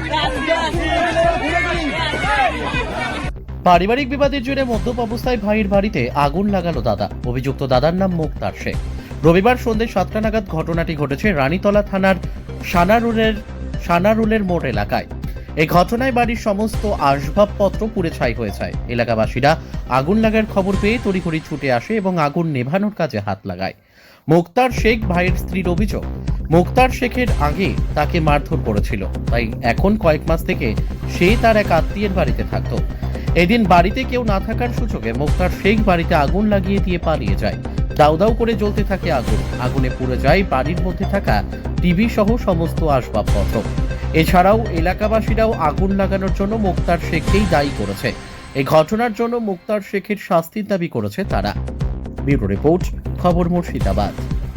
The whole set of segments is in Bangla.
পারিবারিক বিবাদের জেরে মদ্যপ অবস্থায় ভাইয়ের বাড়িতে আগুন লাগালো দাদা। অভিযুক্ত দাদার নাম মুক্তার শেখ। রবিবার সন্ধ্যে 7টা নাগাদ ঘটনাটি ঘটেছে রানীতলা থানার সানারুলের মোড় এলাকায়। এই ঘটনায় বাড়ির সমস্ত আসবাবপত্র পুড়ে ছাই হয়ে যায়। এলাকাবাসীরা আগুন লাগার খবর পেয়ে তড়িঘড়ি ছুটে আসে এবং আগুন নেভানোর কাজে হাত লাগায়। মুক্তার শেখ ভাইয়ের স্ত্রীর অভিযোগ, মুক্তার শেখের আগে তাকে মারধর করেছিল, তাই এখন কয়েক মাস থেকে সে তার এক আত্মীয়ের বাড়িতে থাকতো। এদিন বাড়িতে কেউ না থাকার সুযোগে মুক্তার শেখ বাড়িতে আগুন লাগিয়ে দিয়ে পালিয়ে যায়। দাউ দাউ করে জ্বলতে থাকে আগুন। আগুনে পুড়ে যায় বাড়ির মধ্যে থাকা টিভি সহ সমস্ত আসবাবপত্র। এছাড়াও এলাকাবাসীরাও আগুন লাগানোর জন্য মুক্তার শেখকেই দায়ী করেছে। এই ঘটনার জন্য মুক্তার শেখের শাস্তির দাবি করেছে তারা। ব্যুরো রিপোর্ট, খবর মুর্শিদাবাদ।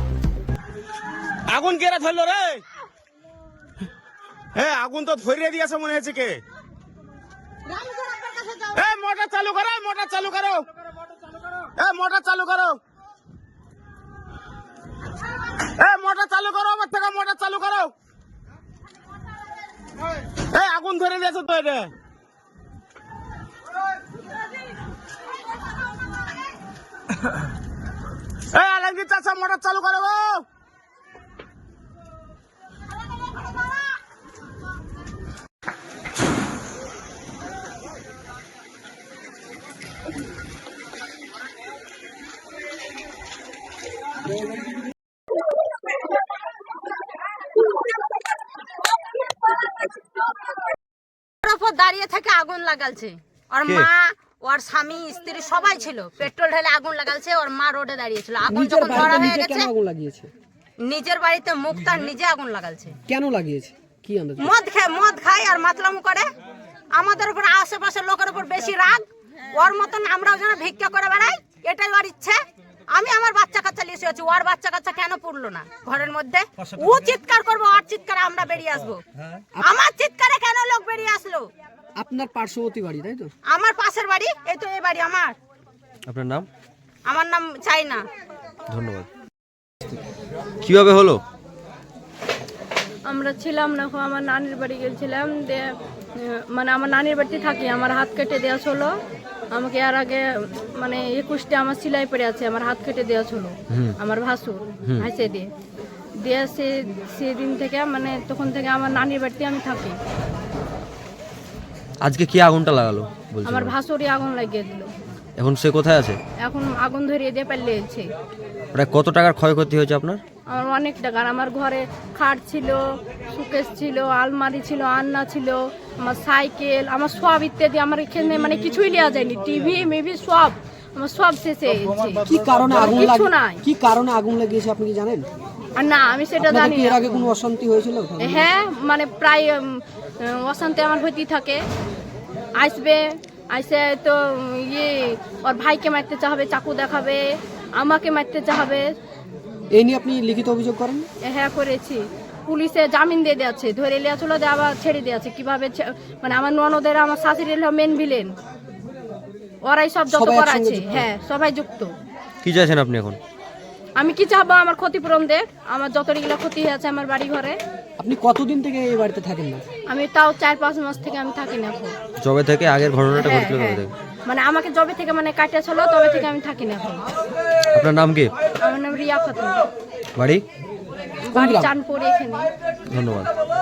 আগুন কেরা ধরলো রে? হ্যাঁ, আগুন তো ধরিয়ে দিয়েছে মনে হচ্ছে কে। মোটর চালু করো, মোটর চালু করো, মোটর চালু করো, মোটর চালু করো, আমার থেকে মোটর চালু করো। আগুন ধরে দিয়েছে তো এটা। আলমগীর চাচা মোটর চালু করো। দাঁড়িয়ে থেকে আগুন লাগালছে। ওর মা, ওর স্বামী, স্ত্রী সবাই ছিল। পেট্রোল ঢেলে আগুন লাগালছে। ওর মা রোডে দাঁড়িয়ে ছিল। আগুন যখন ধরা হয়ে গেছে, নিজের বাড়িতে মুক্তার নিজে আগুন লাগালছে। কেন লাগিয়েছে? কি আন্দাজ? মদ খায় আর মাতলামু করে। আমাদের উপর, আশেপাশের লোকের উপর বেশি রাগ। ওর মতন আমরাও যেন ভিক্ষা করে বেড়াই, এটাই ওর ইচ্ছে। আমি আমার বাচ্চা কাচ্চা লিখে আছি, ওর বাচ্চা কাচ্চা কেন পড়লো না ঘরের মধ্যে? ও চিৎকার করবো, ওর চিৎকারে আমরা বেরিয়ে আসবো। আমার চিৎকারে কেন লোক বেরিয়ে আসলো? আপনার পার্শ্ববর্তী বাড়ি, তাই তো? আমার পাশের বাড়ি, এই তো এই বাড়ি আমার। আপনার নাম? আমার নাম চাইনা। ধন্যবাদ। কিভাবে হলো? আমরা ছিলাম না, আমার নানির বাড়ি গেছিলাম। মানে আমার নানির বাড়িতে থাকি। আমার হাত কেটে দেওয়া ছিল। আমাকে এর আগে মানে 21টে আমার সেলাই পড়ে আছে, আমার হাত কেটে দেওয়া ছিল আমার ভাসুর হাসে দিয়ে সেদিন থেকে মানে তখন থেকে আমার নানির বাড়িতে আমি থাকি। আজকে কি আগুনটা লাগালো? আমার ভাসুরই আগুন লাগিয়ে দিল। এখন সে কোথায় আছে? এখন আগুন ধরিয়ে দিয়ে পালিয়েছে। প্রায় কত টাকার ক্ষয়ক্ষতি হয়েছে আপনার? আমার অনেক টাকার। আমার ঘরে খাট ছিল, সুকেস ছিল, আলমারি ছিল, আন্না ছিল, আমার সাইকেল, আমার সব ইত্যাদি। আমার এখানে মানে কিছুই নেওয়া যায়নি। টিভি মিভি সব আমার সব শেষে গেছে। কি কারণে আগুন কিছু নাই। কি কারণে আগুন লাগিয়েছে আপনি কি জানেন? আর না, আমি সেটা জানি না। এর আগে কোনো অশান্তি হয়েছিল? হ্যাঁ, মানে প্রায় অশান্তি আমার হইতেই থাকে। আসবে, আইসে তো ওর ভাইকে মারতে চাহাবে, চাকু দেখাবে, আমাকে মারতে চাহাবে। এই নিয়ে আপনি লিখিত অভিযোগ করেন? হ্যাঁ, করেছি। পুলিশে জামিন দিয়ে দিয়েছে, ধরে লিয়া চলে দিয়ে আবার ছেড়ে দিয়েছে। কিভাবে মানে আমার ননদের, আমার শাশুড়ির মেন ভিলেন, ওরাই সব যত করাছে। হ্যাঁ, সবাই যুক্ত। কি চাইছেন আপনি এখন? আমি কি চাবো? আমার ক্ষতিপূরণ দেখ। আমার যতগুলো ক্ষতি হয়েছে আমার বাড়ি ঘরে। আপনি কতদিন থেকে এই বাড়িতে থাকেন না? আমি তাও 4-5 মাস থেকে আমি থাকি না এখন। জবে থেকে আগের ঘটনাটা ঘটেছিল তবে থেকে? মানে আমাকে জবে থেকে মানে কাটিয়া ছিল, তবে থেকে আমি থাকি না এখন। আপনার নাম কি? আমার নাম রিয়া খাতুন। বাড়ি? বাড়ি চাঁদপুর এখানে। ধন্যবাদ।